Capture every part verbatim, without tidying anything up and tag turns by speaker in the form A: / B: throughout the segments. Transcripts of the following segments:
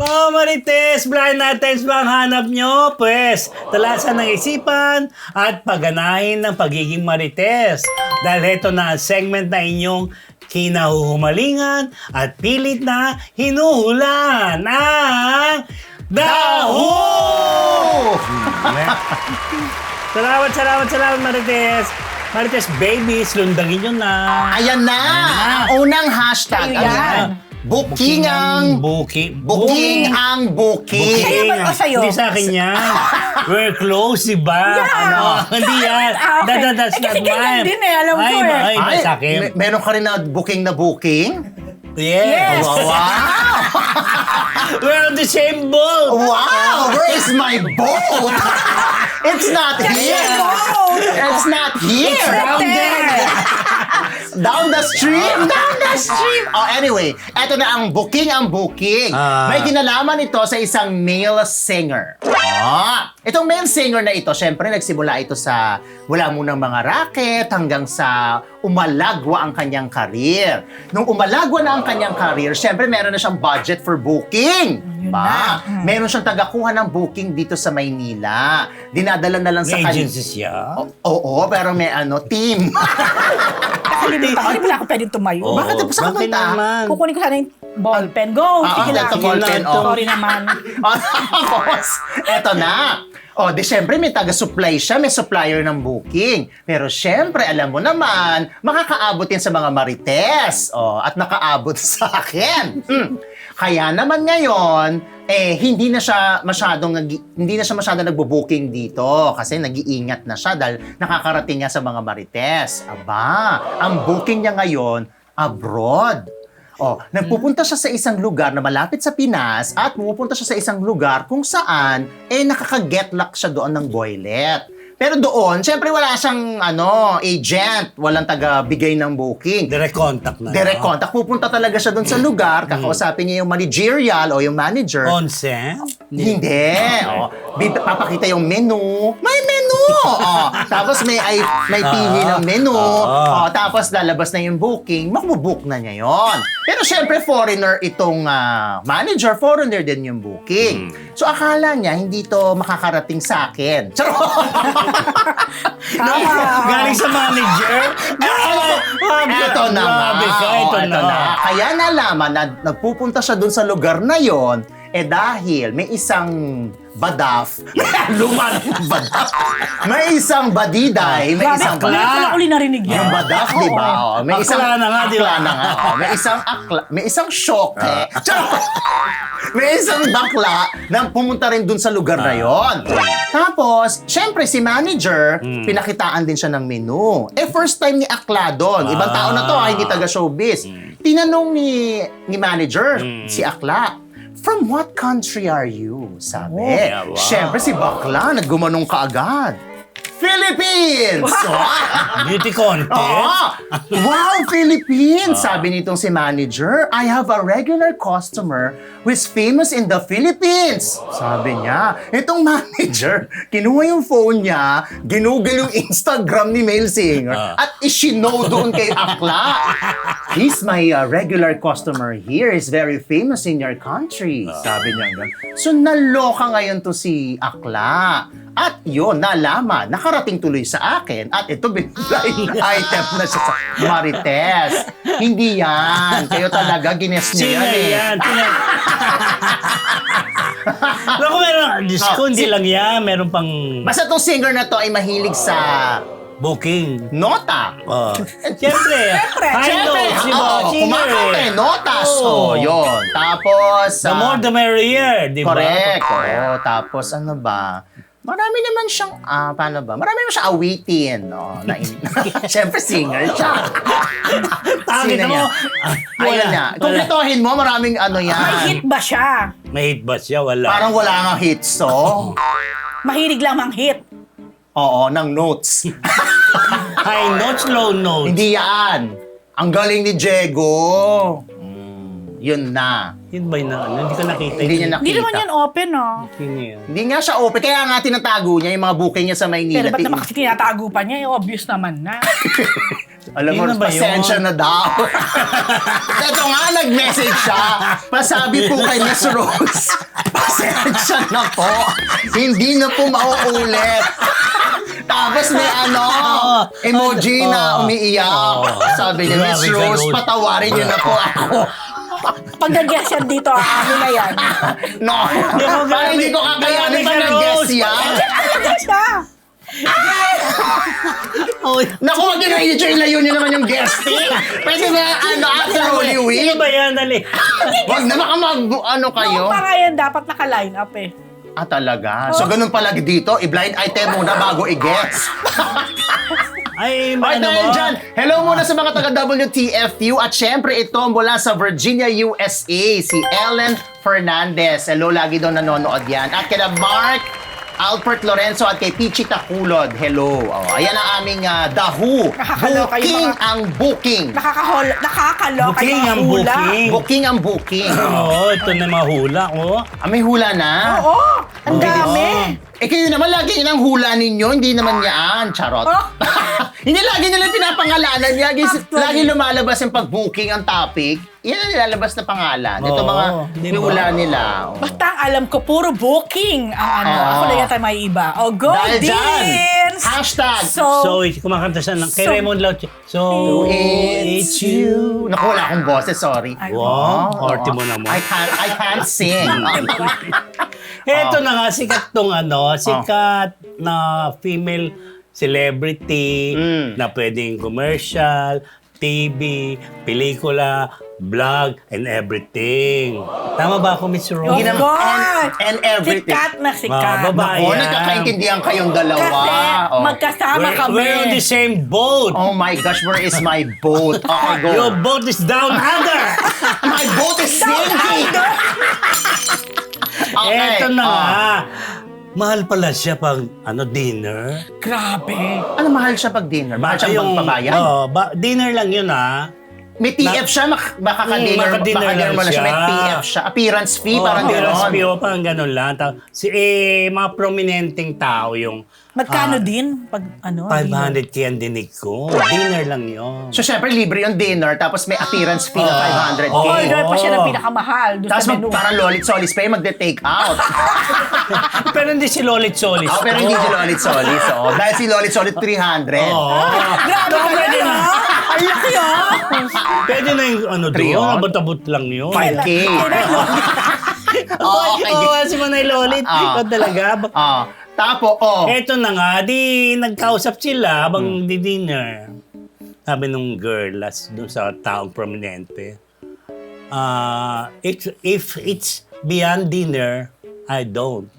A: Oh, Marites, blind items ba ang hanap nyo? Pwes, talasan ng isipan at pagganahin ng pagiging Marites. Dahil ito na ang segment na inyong kinahuhumalingan at pilit na hinuhulan ang Daho! Salamat, salamat, salamat, Marites. Marites Babies, lundangin nyo na.
B: Ayan na! Ang unang hashtag.
C: Sa'yo yan.
B: Ayan. Booking ang...
A: Booking.
B: Booking ang booking.
C: Sa'yo ba ito sa'yo?
A: Hindi sa akin yan. We're close, di ba?
C: Yeah.
A: Ano? Hindi yan.
C: Ah, okay.
A: That, that, that's
C: Eh, kasi
A: not
C: ganyan
A: mine.
C: din eh, alam ko
A: ay,
C: eh.
A: Ay, ay, sa akin.
B: me- meron ka rin na booking na booking?
A: Yes.
C: Yes.
B: Wow!
A: We're on the same boat.
B: Wow! Where is my boat? It's not here! It's not here!
A: Down there.
B: Down the stream! Down the stream! Oh, anyway, eto na ang booking ang booking.
A: Ah.
B: May kinalaman ito sa isang male singer. Ah, itong male singer na ito, syempre nagsimula ito sa wala munang mga racket hanggang sa umalagwa ang kanyang karir. Nung umalagwa na ang kanyang karir, syempre meron na siyang budget for booking. Ba? Meron siyang tagakuha ng booking dito sa Maynila. Dinadala na lang sa
A: May
B: kanya.
A: agency siya.
B: O- Oo, pero may ano, team.
C: Nakalimutan ko, hindi pala ako pwedeng tumayo.
A: Oo,
B: Bakit? Saan ka
A: bakit
B: punta?
A: naman?
C: Kukunin ko sana yung ballpen. Go!
B: Ah,
C: Sige
B: ah,
C: lang.
B: ito, ballpen, oh.
C: Sorry naman.
B: O, tapos, eto na. O, di syempre may taga-supply siya, may supplier ng booking. Pero syempre, alam mo naman, makakaabot yan sa mga marites. O, at nakaabot sa akin. Hmm. Kaya naman ngayon, eh, hindi na siya masyadong, nag- hindi na siya masyadong nagbo-booking dito. Kasi nag-iingat na siya dahil nakakarating niya sa mga marites. Aba, ang booking niya ngayon, abroad. Oh, nagpupunta siya sa isang lugar na malapit sa Pinas at pumupunta siya sa isang lugar kung saan eh nakaka-get luck siya doon ng boylet. Pero doon, syempre wala siyang ano, agent, walang taga-bigay ng booking.
A: Direct contact na.
B: Direct contact. Pupunta talaga siya doon sa lugar, kakausapin niya yung managerial o yung manager.
A: Consent?
B: Hindi. Oh, bib- papakita yung menu. May menu! Oh, tapos may ay, may pili ng menu.
A: Ah.
B: Oh, tapos lalabas na yung booking. Makubook na niya yon. Pero syempre foreigner itong ah, manager. Foreigner din yung booking. So akala niya hindi to makakarating sa akin. Charot!
A: Galing sa manager?
B: Eto na nga.
A: Grabe ka,
B: Oh,
A: ito
B: eto
A: na.
B: Kaya nalaman na nagpupunta siya dun sa lugar na yon, eh dahil may isang badaf. Luman badaf. May isang badiday. May
C: Grabe,
B: isang
C: ngayon ko lang uli narinig yan.
B: yung badaf, di ba?
C: Oo.
B: Oh, may
A: Akla
B: isang
A: na nga, di ba?
B: akla na nga. Oh, may isang akla, may isang shock eh. Charot! May isang bakla na pumunta rin dun sa lugar na yon. Tapos, syempre si manager, pinakitaan din siya ng menu. Eh, first time ni Akla doon. Ibang tao na to, ah, hindi taga-showbiz. Tinanong ni, ni manager, si Akla, "From what country are you?" Sabi.
A: Oh, yeah, wow.
B: Syempre si Bakla, naggumanong kaagad. Philippines!
A: Beauty contest?
B: Oo! Wow, Philippines! Sabi nitong si manager, "I have a regular customer who is famous in the Philippines." Sabi niya. Itong manager, kinuha yung phone niya, ginugol yung Instagram ni male singer,
A: Ah.
B: at isinow doon kay Akla. "He's my uh, regular customer here. He's very famous in your country." Sabi niya ganun. So, naloka ngayon to si Akla. At yun, nalaman, nakarating tuloy sa akin. At ito, blind item na siya sa Marites. Hindi yan. Kayo talaga, gines niyo
A: Sino
B: yan eh.
A: yan? Tina- Naku, meron. Diyos ko,
B: Oh,
A: hindi
B: si-
A: lang yan. Meron pang
B: Basta tong singer na to ay mahilig sa
A: booking.
B: nota.
A: Oh. Siyempre. High
B: Siyempre,
A: notes, di ba?
B: oo,
A: Singer
B: kumakanta
A: eh.
B: eh, notas.
A: Oo.
B: Oh, yun. Tapos,
A: The
B: ah,
A: more the merrier, di ba?
B: correct. Oo, tapos ano ba? Marami naman siyang, ah, paano ba? Marami naman siyang awitin, no? Na Siyempre, singer siya.
A: Tangin
B: Sino
A: mo.
B: niya?
A: Ah,
B: Ayun
A: wala.
B: na.
A: Wala.
B: Kumpletuhin mo, maraming ano yan.
C: May hit ba siya?
A: May hit ba siya? Wala.
B: Parang wala nga hits, so.
C: Mahilig lang mang hit.
B: Oo, ng notes.
A: High notes, low notes.
B: Hindi yan. Ang galing ni Diego. Mm, yun na.
A: Yun ba yun na ano? Hindi ko nakita.
B: Hindi niya nakita.
C: Hindi naman yan open, oh.
A: Sino yun?
B: Hindi nga siya open. Kaya nga tinatago niya yung mga booking niya sa Maynila.
C: Pero ba't naman kasi tinatago pa niya? Eh, obvious naman na.
B: Alam mo,
A: Yun na ba yun?
B: pasensya na daw. Ito nga, nag-message siya. Pasabi po kay Miss Rose, pasensya na po. Hindi na po mauulit. Tapos may ano, emoji na umiiyak. Sabi niya, Miss
A: Grabe ka,
B: Rose,
A: Rose.
B: patawarin niyo na po ako.
C: Pag nag-guess yan dito, ano na yan?
B: No, parang hindi ko kakayanin pa
A: Grabe ka,
B: nag-guess
A: Rose.
B: yan.
C: Talaga siya!
A: Oh,
B: Naku, wag niyo na i-join, layo niyo naman yung guesting. Pwede na, ano, after Holy
A: Sino
B: Week.
A: ba yan? Dali.
B: Wag na baka mag, ano kayo.
C: Noong para yan, dapat naka-line up eh.
B: Ah, talaga? So, ganun pala dito, i-blind item muna bago i-guess.
A: Ay,
B: Okay,
A: ano
B: dahil
A: mo?
B: dyan, hello muna sa mga taga-W T F U at syempre ito mula sa Virginia, U S A, si Ellen Fernandez. Hello, lagi daw nanonood yan. At kina Mark Alfred Lorenzo at kay Pichi Takulod. Hello. Oh, ayan ang aming uh, The Who.
C: Nakakaloka yung
B: Booking
C: mga-
B: ang booking.
C: Nakakahol, nakakaloka
A: Booking
C: yung
A: ang
C: hula.
A: booking.
B: Booking ang booking.
A: Oo, ito na mahula, oh.
B: Ah, may hula na.
C: Oo, ang
A: Okay.
C: dami.
B: Eh kayo naman, lagi yun ang hula ninyo, hindi naman yan. Charot.
C: Oh.
B: Hindi lagi nila pinapangalanan. Lagi,
C: Actually.
B: lagi lumalabas yung pag-booking ang topic. Yan ang nilalabas na pangalan. Ito
A: Oo,
B: mga
A: di ba?
B: hula nila. Oh.
C: Basta ang alam ko, puro booking ang ano.
B: Oo.
C: Ako na yata may iba. O, go,
B: Dahil dyan,
C: Deans!
B: hashtag,
C: So,
A: So, kumakanta siya ng, kay
C: So-
A: Raymond Lauch. So,
B: it's you. Naku, wala akong boses, sorry.
C: Ay,
A: Wow,
B: Oo.
A: arty mo naman.
B: I can't, I can't sing.
A: Eto na nga, sikat tong ano, sikat na female celebrity
B: Mm.
A: na pwedeng commercial, T V, pelikula, vlog, and everything. Tama ba ako, Miss
C: of
A: Rose?
B: Ginam-
C: course!
B: and- and everything.
C: Sikat na sikat.
A: Ah, babae.
B: Oo,
A: Ayan.
B: nagkakaintindihan kayong dalawa.
C: Kasi
B: Oh.
C: magkasama
A: We're,
C: kami.
A: we're on the same boat.
B: Oh my gosh, where is my boat? Okay, go.
A: Your boat is down under.
B: My boat is sinking! Okay.
A: Eto na
B: Oh.
A: nga. Mahal pala siya pag ano dinner.
C: Grabe.
B: Ano, mahal siya pag dinner? Mahal siya magpabayan?
A: Oh, ba, dinner lang yun ah.
B: May T F siya, mak- baka
A: Mm,
B: ka-dinner,
A: maka-dinner
B: baka
A: lang
B: mo na siya. May
A: siya.
B: T F siya. Appearance fee,
A: Oh,
B: parang
A: appearance
B: gano'n.
A: fee, oh, parang ganun lang. Ta- Si, eh, mga prominenteng tao yung
C: Magkano
A: ah,
C: din? Pag ano?
A: five hundred k ang dinig ko. Dinner lang yun.
B: So, syempre, libre yung dinner, tapos may appearance fee na
A: Oh.
B: five hundred K.
A: Oh.
C: Order pa siya ng
A: Oo.
C: pinakamahal doon
B: Tapos
C: sa
B: mag,
C: menu.
B: parang lolit solis pa yung magde-take out.
A: Pero hindi si Lolit Solis.
B: Oh, pero hindi si lolit solis. Oh. Dahil si lolit solis three hundred.
A: Oo.
C: Grabe ka
A: pwede
C: na,
A: na.
C: ah! Ang laki, ah!
A: Pwede na yung ano
B: Three
A: doon.
B: on?
A: Abot-abot lang yun.
B: five K.
A: Oh,
B: okay.
A: Oo, si Manay Lolit.
B: Ah.
A: Ikaw talaga.
B: Ah, tapo, oh.
A: Eto na nga, di nagkausap sila habang
B: Hmm.
A: di dinner. Sabi nung girl, last dun sa taong prominente, ah, it's, if it's beyond dinner, I don't.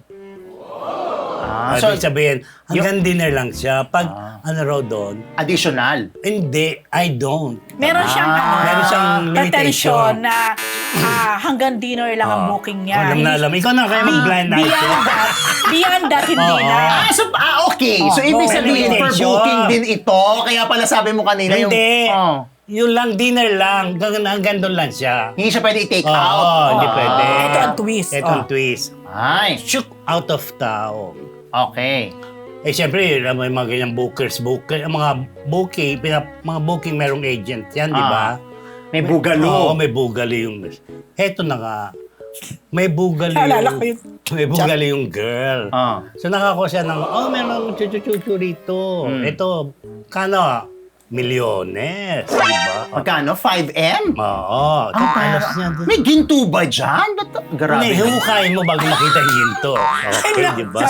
B: Ah,
A: Ah,
B: so,
A: Ibig sabihin, hanggang dinner lang siya. Pag ano raw doon,
B: additional.
A: hindi, I don't.
C: Meron siyang
B: Ah,
C: ano,
A: meron siyang
C: pretension
A: limitation.
C: na ah, hanggang dinner lang ang
A: Ah.
C: booking niya.
A: Alam na alam. Ikaw na kaya mag-blind
C: Beyond
A: item.
C: that, beyond that, hindi
A: Oo.
C: na.
B: Ah, so, ah, okay.
C: Oh,
B: so, ibig
C: go.
B: sabihin, for
A: Limitation.
B: booking din ito. Kaya pala sabi mo kanina yung...
A: Hindi.
B: Oh.
A: Yun lang, dinner lang. Hanggang, hanggang doon lang siya.
B: Hindi siya pwede i-take
A: Oo,
B: out.
A: hindi
B: Ah.
A: pwede.
C: Ito ang twist.
A: Ito ang
C: Oh.
A: twist.
B: Ay,
A: Shook out of town.
B: okay.
A: Eh, siyempre, may mga ganyang bookers, booker, mga booking, pina, mga booking merong agent yan, di ba?
B: May bugalo.
A: Oo, may bugali yung... Heto na nga. May bugali
C: Naalala ko
A: yung...
C: yun.
A: May bugali yung girl.
B: Ah.
A: So, nakakuha siya ng, oh, meron chuchu-chuchu rito.
B: Hmm.
A: Ito, kano? Milyones, di ba?
B: Magkano? five M?
A: Oo.
B: Ah,
A: Tapalas niya doon.
B: may ginto ba dyan? Ba't- Grabe.
A: Hindi, hukay mo bago makita yung ginto. Okay, di ba?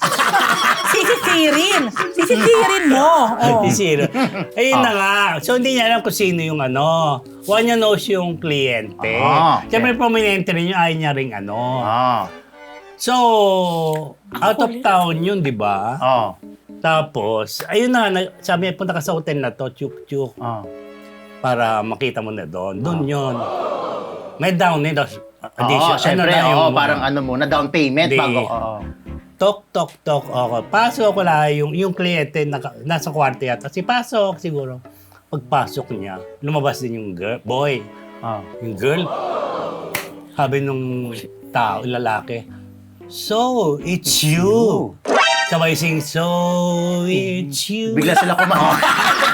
C: Sisisirin. Sisisirin mo. Oh.
A: Zero. Ayun
B: Ah.
A: na nga. So, hindi niya alam kung sino yung ano. One niya knows yung kliyente.
B: Ah, okay.
A: Siyempre, prominente rin yung ayaw niya rin ano.
B: Ah.
A: So, out of town yun, di ba?
B: Oh.
A: Tapos, ayun na, na- sabi niya, punta ka sa hotel na to, chuk-chuk,
B: Oh.
A: para makita mo na doon. Doon yun. May down eh. tapos
B: Oo,
A: Addition.
B: syempre,
A: na
B: oo,
A: yung-
B: parang ano muna, down payment
A: Hindi.
B: bago. Oo.
A: Tok, tok, tok. Okay. Pasok ko lang yung, yung kliyente naka, nasa kwarto yata. Si pasok siguro. Pagpasok niya, lumabas din yung girl, boy.
B: Oh.
A: Yung girl. Sabi nung tao, lalaki, so, it's you. Sabay sing, so, it's you.
B: Bigla sila kumanta.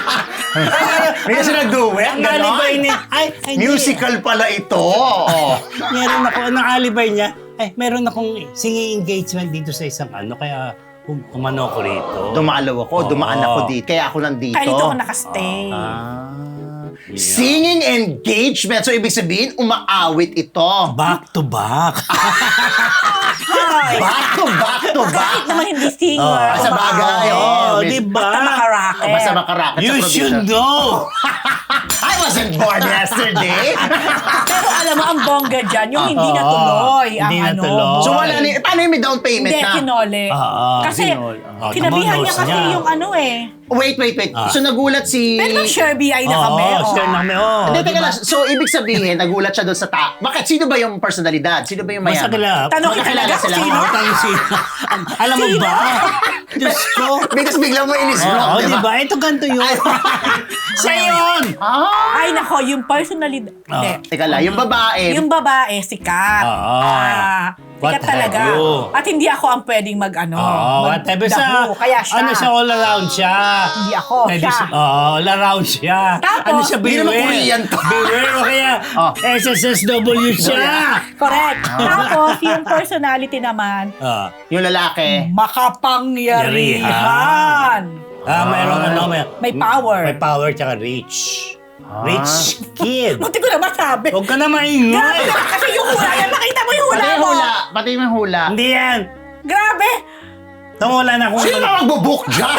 B: May kasi nag-duet,
A: Ang alibay
B: gano'n?
A: niya, ay, ay, hindi.
B: Musical pala ito. Oh.
A: Meron ako, anong alibay niya? Ay, meron akong singing engagement dito sa isang ano, kaya um, umano ako rito.
B: Dumalaw ako,
A: Oo.
B: dumaan ako dito. Kaya ako nandito.
C: Kaya dito ako nakastay.
B: Ah. Singing engagement. So, ibig sabihin, umaawit ito.
A: Back to back.
C: Hi!
B: Back to back to back.
C: Kahit naman hindi singer.
A: Oh,
B: sa bagay,
C: umaawit.
B: oh.
A: Oh, di ba?
C: Basta makaraket.
B: Oh, basta makaraket
A: You
B: sa
A: should
B: probinsya.
A: know.
B: I wasn't born yesterday.
C: Pero alam mo, ang bongga dyan, yung hindi
A: Oo.
C: natuloy. Ang
A: Hindi
C: ano,
A: natuloy.
B: So, wala na, paano yung may down payment
C: Hindi,
B: na?
C: kinole.
A: Oo,
C: Kasi,
A: kinole. Oo,
C: kinabihan niya
A: tumunos
C: kasi
A: niya.
C: yung ano eh.
B: Wait, wait, wait.
A: Ah.
B: So, nagulat si...
C: Pero nag-share B I na kami.
A: Oo,
C: oh.
A: share na kami. Oh,
B: Hindi,
A: di
B: teka
A: ba?
B: lang. So, ibig sabihin, nagulat siya doon sa ta... Bakit? Sino ba yung personalidad? Sino ba yung
A: Basta
B: mayaman?
A: kila.
C: Tanong kita
B: Magkakilala
C: talaga kung
B: sila.
C: sino.
A: Oo, tayo sino. Alam mo
C: Sino?
A: ba? Diyos ko.
B: Because biglang mo inis-block,
A: Oo,
B: di
A: di
B: ba?
A: ba? Ito ganito yun. Siya yun.
B: Ah!
C: Ay, nako, yung personalidad.
A: Ah.
C: Hindi.
B: Teka lang, yung babae.
C: Yung babae, sikat.
A: Oo.
C: Ah,
A: What
C: sikat talaga.
A: have you?
C: At hindi ako ang pwedeng mag-ano.
A: Oo, whatever sa...
C: magdaho. Kaya siya.
A: Ano siya, all around siya.
C: Hindi ako,
A: Pwede
C: siya.
A: siya- Oo, all around siya.
C: Tapos,
A: ano siya,
B: hindi naman
A: beware.
B: Korean to.
A: Beware o kaya
B: Oh.
A: S S S W siya.
C: Correct. Tapos, yung personality naman,
A: Ah,
B: Yung lalaki.
C: makapangyarihan.
A: ah, mayroong ano, may,
C: May power.
A: May power tsaka rich.
B: Ah.
A: Rich kid.
C: Buti ko na masabi.
A: Huwag ka na
C: Grabe
A: maingay.
C: naman kasi yung hula yan. Nakita mo yung hula
B: Pati yung
C: mo.
B: hula. Pati yung hula.
A: Hindi yan.
C: Grabe.
A: Tumula na kung...
B: Sino na magbubook dyan?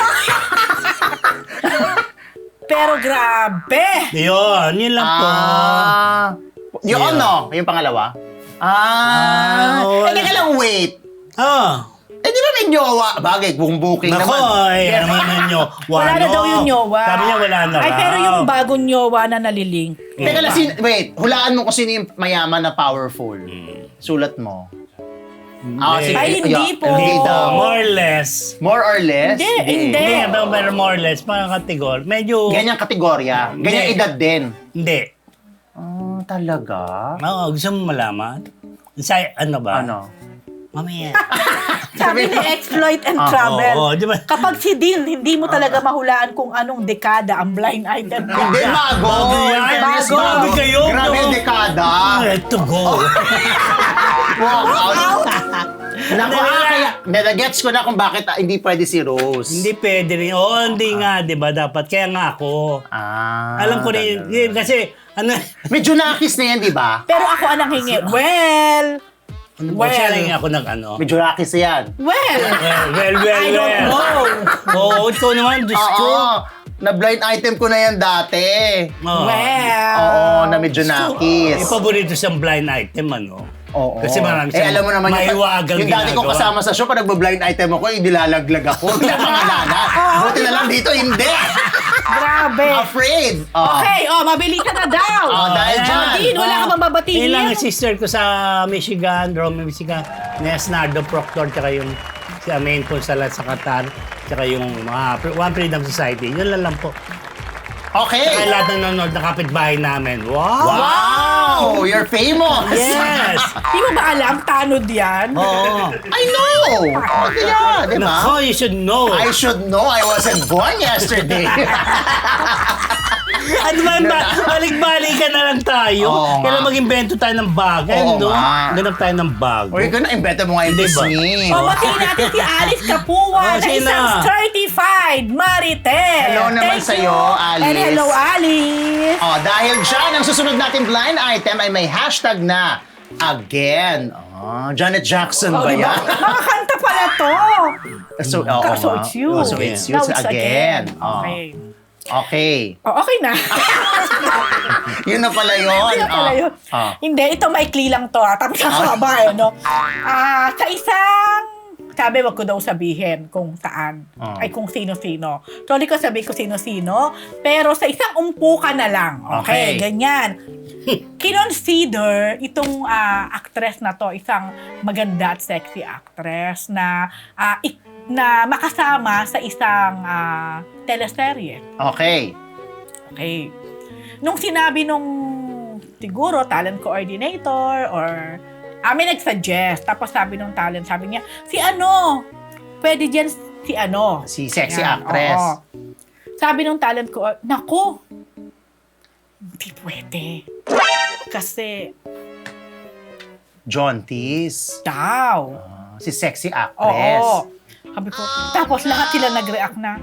C: Pero grabe.
A: Yun, yun lang po.
B: Ah. Yung
A: Yeah.
B: ano? Yung pangalawa? Ah.
A: Ah,
B: eh,
A: wala.
B: teka lang, wait.
A: Oh.
B: Eh, di ba may nyowa? Bagay, buong booking
A: Nako,
B: naman.
A: ay, ano naman nyo.
C: Wala na daw yung nyowa.
A: Sabi niya wala na
C: Ay,
A: raw.
C: pero yung bagong nyowa na nalilink.
B: Teka lang, sin- wait. Hulaan mo kung sino yung mayaman na powerful.
A: Hmm.
B: Sulat mo. Ah,
A: Hindi.
B: sige.
C: Ay, hindi
B: Yeah,
C: po.
B: Hindi daw.
A: More or less.
B: More or less?
C: Hindi, hindi.
A: Hindi nga daw, pero more or less, parang kategor. Medyo...
B: Ganyang kategorya. Ganyang
A: Hindi.
B: edad din.
A: Hindi.
B: Ah, talaga?
A: Oo, gusto mo malaman? Sa, ano ba?
B: Ano?
A: Mamaya.
C: Sabi ni Exploit and
B: Ah,
C: Travel.
A: oo, di ba?
C: Kapag si Dean, hindi mo talaga mahulaan kung anong dekada ang blind item niya.
B: Hindi, bago.
A: Bago yan.
B: Fairness,
C: Bago.
A: Grabe kayo,
B: Grabe
A: no?
B: yung dekada.
A: Let to go.
B: Walk out. Naku,
A: Hindi,
B: ah,
A: wala.
B: kaya, nagets ko na kung bakit ah, hindi pwede si Rose.
A: Hindi pwede rin. Oo, hindi nga, di ba? Dapat. Kaya nga ako.
B: Ah.
A: Alam ko rin,
B: talaga.
A: yun, kasi, ano,
B: Medyo nakis na yan, di ba?
C: Pero ako ang nanghingi. Well,
A: ano ba,
C: Well.
A: siya rin ako nag, ano.
B: Medyo nakis na yan.
C: well.
A: Well, well, well,
C: I don't
A: well.
C: know.
A: Oo, ikaw naman, Diyos ko.
B: Oo. Na blind item ko na yan dati.
A: Oo.
C: Well.
B: Oo, na medyo nakis.
A: May paborito siyang blind item, ano?
B: Oo.
A: Kasi marami
B: eh,
A: siyang
B: alam mo naman
A: maiwagang
B: yung dati ko
A: ginagawa.
B: kasama sa show, pag nagbo-blind item ako, eh, nilalaglag ako. Hindi ako pangalanan. Buti na lang dito, hindi.
C: Grabe.
B: Afraid. Oh.
C: Okay, oh, mabili ka na daw.
B: Oh, dahil
A: Ayan.
B: dyan.
C: Dean, wala ka bang babatiin?
A: Yun lang yung sister ko sa Michigan, Rome, Michigan, Nes Nardo Proctor, tsaka yung si Amen Consalat sa Qatar, tsaka yung mga One Freedom Society. Yun lang lang po.
B: Okay.
A: Kaya lahat ng nanonood na kapitbahay namin. Wow!
B: Wow! You're famous!
A: Yes!
C: Di mo ba alam, tanod yan?
A: Oo.
B: I know! Oh, yeah, di ba?
A: Nako, you should know.
B: I should know I wasn't born yesterday.
A: Ano ba, ba balik-balikan na lang tayo.
B: Oo nga.
A: Kailan mag-invento tayo ng bagay,
B: Oo
A: no?
B: nga.
A: Ganap tayo ng bago.
B: Uy, ikaw na, imbento mo nga yung
A: Di ba?
B: Disney.
C: O, batiin natin si Alice Kapua
A: Oh,
C: na
A: sino?
C: isang certified Marites.
B: Hello naman
C: Thank
B: sa'yo,
C: you.
B: Alice.
C: And hello, Alice.
B: Oh, dahil dyan, ang susunod natin blind item ay may hashtag na again. Oh, Janet Jackson
C: Oh,
B: ba
C: diba?
B: yan?
C: Makakanta pala to.
B: So, oo
C: So
B: nga.
C: it's you.
B: Oh, so it's you
C: Now it's
B: again. Oh.
C: Okay.
B: Okay.
C: Oh, okay na.
B: Yun na pala yun.
C: Hindi na pala
B: Oh.
C: yun.
B: Oh.
C: Hindi, ito maikli lang to. Ah. Tapos ang haba, eh, no? Ah, sa isang, sabi, wag ko daw sabihin kung saan.
B: Oh.
C: Ay, kung sino-sino. Sorry ko sabi ko sino-sino. Pero sa isang umpukan na lang. Okay,
B: Okay.
C: ganyan. Kinonsider itong ah, actress na to, isang maganda at sexy actress na ah, ik- na makasama sa isang ah, teleserye.
B: Okay.
C: Okay. Nung sinabi nung siguro talent coordinator or amin nag-suggest, tapos sabi nung talent, sabi niya, si ano, pwede dyan si ano.
B: Si sexy
C: Yan,
B: actress.
C: oo. sabi ng talent ko, naku, hindi pwede. Kasi,
B: Jaunties.
C: daw.
B: Ah, si sexy actress.
C: Oo. Sabi ko, tapos lahat sila nag-react na,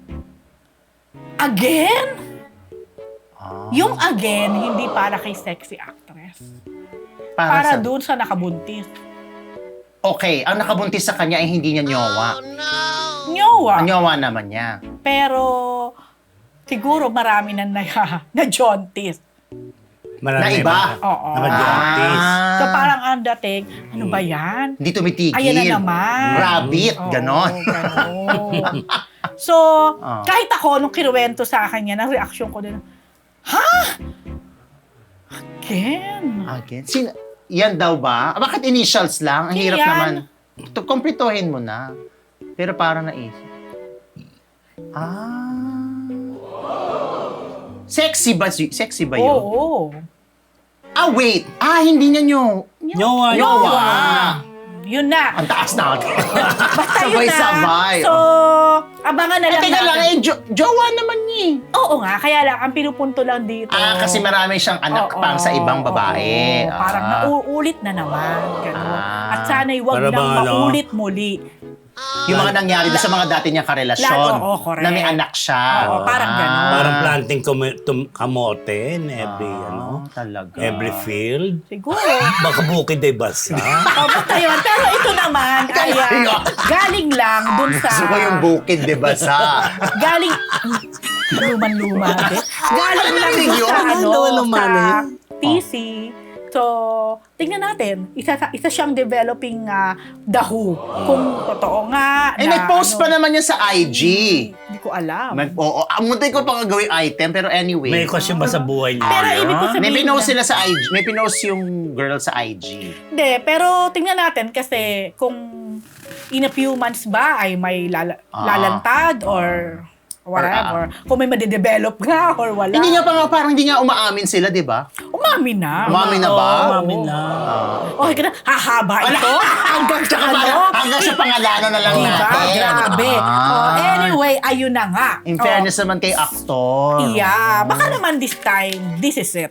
C: again?
B: Ah,
C: Yung again, hindi para kay sexy actress.
B: para
C: Para
B: sa-
C: doon sa nakabuntis.
B: Okay, ang nakabuntis sa kanya ay hindi niya nyowa.
C: Nyowa.
B: Ang nyowa naman niya.
C: Pero, siguro marami na na, na jaunties.
A: Marami
B: Na iba?
A: mga
C: Oo.
A: naka-jaunties.
B: Ah.
C: So parang ang dating, ano ba yan?
B: Hindi tumitigil.
C: Ayan na naman.
B: Rabbit,
C: Oo,
B: ganon.
C: ganon. So,
B: Ah.
C: kahit ako, nung kinuwento sa akin yan, ang reaksyon ko din, ha? Again?
B: Again? Sin yan daw ba? Ah, Bakit initials lang? Ang hirap
C: Yan.
B: naman. To, kumplituhin mo na. Pero parang naisip. Ah. Sexy ba, si- sexy ba yun?
C: Oo.
B: Ah, wait. Ah, hindi niya nyo.
A: Nyowa.
B: Nyowa.
C: Yun na.
B: Ang taas na.
C: Basta yun na.
B: Sabay-sabay.
C: So, abangan na
B: Eh,
C: lang
B: teka lang,
C: natin.
B: eh, jo- jowa naman niya. eh.
C: Oo nga, kaya lang, ang pinupunto lang dito.
B: Ah, kasi marami siyang anak
C: Oo,
B: pang sa ibang babae.
C: oo. Parang
B: Ah.
C: nauulit na naman. Ganun.
B: Ah.
C: At sana'y wag
A: Para
C: nang
A: bang ano?
C: maulit muli.
B: Yung mga nangyari doon sa mga dati niyang karelasyon.
C: Lahat, oo, correct.
B: Na may anak siya.
C: Oo, parang ganun.
A: Parang planting kamo- tum- kamote in every,
B: Ah,
A: ano,
B: talaga.
A: every field.
C: Siguro.
A: Baka bukid ay basa.
C: O, basta yun. Pero ito naman ay ah, galing lang dun sa...
B: Gusto ko yung bukid, di ba, sa...
C: Galing... Luman-luma. eh. Galing lang
B: narinig
C: dun
B: yun?
C: sa, ano,
A: Luman-luman
C: sa
A: eh.
C: T C. So, tingnan natin. Isa, isa siyang developing uh, dahu. Kung totoo nga.
B: Eh,
C: na,
B: nag-post
C: ano,
B: pa naman niya sa I G.
C: Hindi ko alam.
B: Mag, oo, ang munti ko pa nga gawing item, pero anyway.
A: May question ba sa buhay niya?
C: Pero ibig ko
B: May
C: sabihin
B: pinost
C: na-
B: sila sa I G. May pinost yung girl sa I G.
C: Hindi, pero tingnan natin kasi kung in a few months ba ay may lala-
B: Ah.
C: lalantad or whatever. Kung may madidevelop nga or wala.
B: Hindi nga pa nga, parang hindi nga umaamin sila, di ba?
C: Umami na.
B: Umamin na ba?
A: Oo, umamin na.
C: Okay ka na, hahaba ito? Hanggang sa ano?
B: Hanggang sa pangalanan na lang
C: Diba?
B: natin.
C: Grabe.
B: Ah.
C: Oh, anyway, ayun na nga.
B: In
C: Oh,
B: fairness naman kay actor.
C: yeah. Baka naman this time, this is it.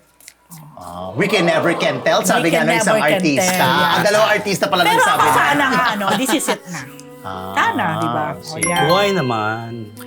B: Ah, we can never can tell, sabi
C: We
B: nga
C: can
B: ng isang
C: never can
B: artista.
C: tell, yeah.
B: Ang dalawang artista pala
C: Pero
B: nagsabi
C: ako
B: na.
C: sana nga, ano, this is it na.
B: Ah,
C: Sana, di ba? Oh,
B: sige.
C: yeah.
A: Buhay naman.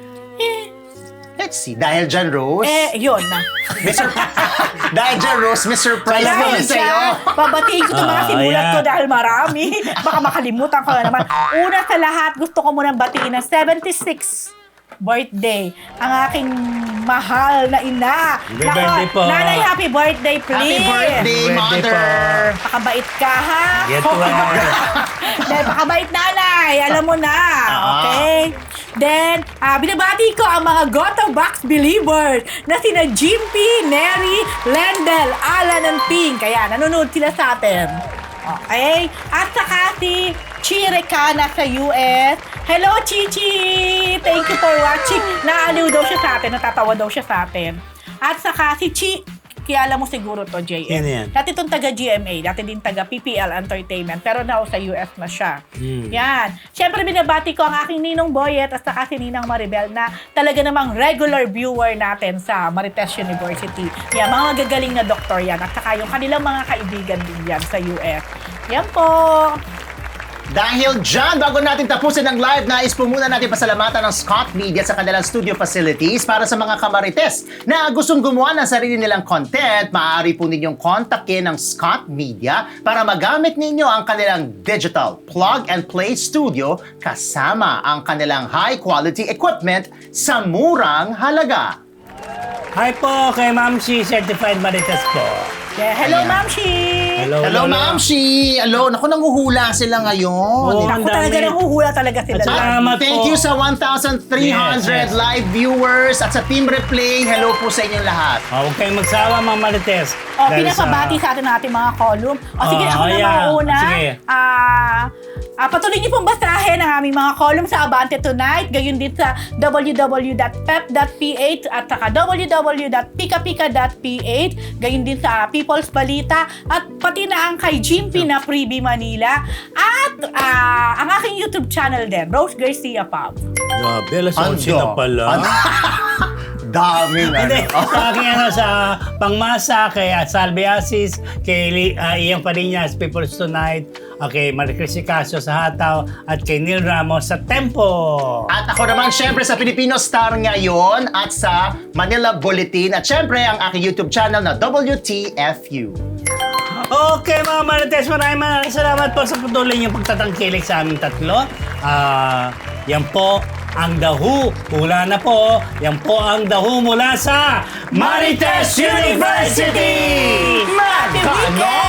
C: Eh,
B: Let's see. Dahil dyan, Rose.
C: eh, yun na.
B: Mister Dahil dyan, Rose, may surprise naman
C: Dahil
B: sa'yo.
C: dyan, babatiin ko itong mga
A: Ah,
C: simulat ko
A: ayan.
C: dahil marami. Baka makalimutan ko na naman. Una sa lahat, gusto ko munang batiin ng seventy-sixth birthday ang aking mahal na ina.
A: Happy
C: Nako,
A: birthday po.
C: Nanay, happy birthday,
B: Happy
C: please.
B: birthday,
A: Birthday
B: mother.
C: Pakabait ka, ha?
A: Get well.
C: Dahil pakabait nanay, alam mo na.
B: Ah.
C: Okay? Then, ah, binabati ko ang mga Goto Box believers na sina Jimpy, Neri, Lendel, Alan, and Ping. Kaya nanonood sila sa atin. Okay? At saka si Chirekana sa U S. Hello, Chichi! Thank you for watching. Naaliw daw siya sa atin, natatawa daw siya sa atin. At saka si Chi, kilala mo siguro to, J M.
A: Yan, yan.
C: Dati itong taga G M A, dati din taga P P L Entertainment, pero now sa U S na siya.
A: Hmm.
C: Yan. Siyempre, binabati ko ang aking Ninong Boyet at saka si Ninang Maribel na talaga namang regular viewer natin sa Marites University. Yan, mga magagaling na doktor yan at saka yung kanilang mga kaibigan din yan sa U S. Yan po.
B: Dahil dyan, bago natin tapusin ang live, nais po muna natin pasalamatan ng Scott Media sa kanilang studio facilities para sa mga kamarites na gustong gumawa ng sarili nilang content. Maaari po ninyong kontakin ng Scott Media para magamit ninyo ang kanilang digital plug-and-play studio kasama ang kanilang high-quality equipment sa murang halaga.
A: Hi po kay Ma'am Shi, Certified Marites po.
C: Yeah, hello,
B: Ayan.
C: Ma'am Shi!
A: Hello,
B: Hello, Ma'am Shi! Hello, naku, nanguhula sila ngayon.
A: Oo.
C: Ako
A: Ang
C: talaga
A: dami.
C: nang huhula talaga sila.
A: At saka-
C: lahat.
A: Salamat
B: Thank
A: po.
B: you sa one thousand three hundred
A: Yes, yes.
B: live viewers at sa Team Replay. Hello po sa inyong lahat.
A: Oh, huwag kayong magsawa, mga Marites.
C: O,
A: Dahil
C: pinapabati sa atin natin mga column. O, sige,
A: Oh,
C: ako na
A: yeah.
C: mauna.
A: Sige.
C: Ah, ah, patuloy niyo pong basahin ang aming mga column sa Abante Tonight. Gayon din sa w w w dot pep dot p h at saka w w w dot pika pika dot p h. Gayon din sa People's Balita at pati na ang kay Jimpy na Freebie Manila. At ah, ang aking YouTube channel din, Rose Garcia Pub.
A: Grabe, alas onse na
B: Ando.
A: pala.
B: Ando. daming
A: Hindi,
B: ano.
A: sa akin ano, sa Pangmasa, kay Salve Asis, kay Li- uh, Iyang Pariñas, People's Tonight, okay, Maricris Casio sa Hataw, at kay Neil Ramos sa Tempo.
B: At ako naman, syempre, sa Filipino Star ngayon at sa Manila Bulletin. At syempre, ang aking YouTube channel na W T F U.
A: Okay mga Marites, maraming maraming salamat po sa patuloy niyong pagtatangkilik sa aming tatlo. Ah, yan po ang The Who. Hula na po. Yan po ang The Who mula sa Marites University! Magkano?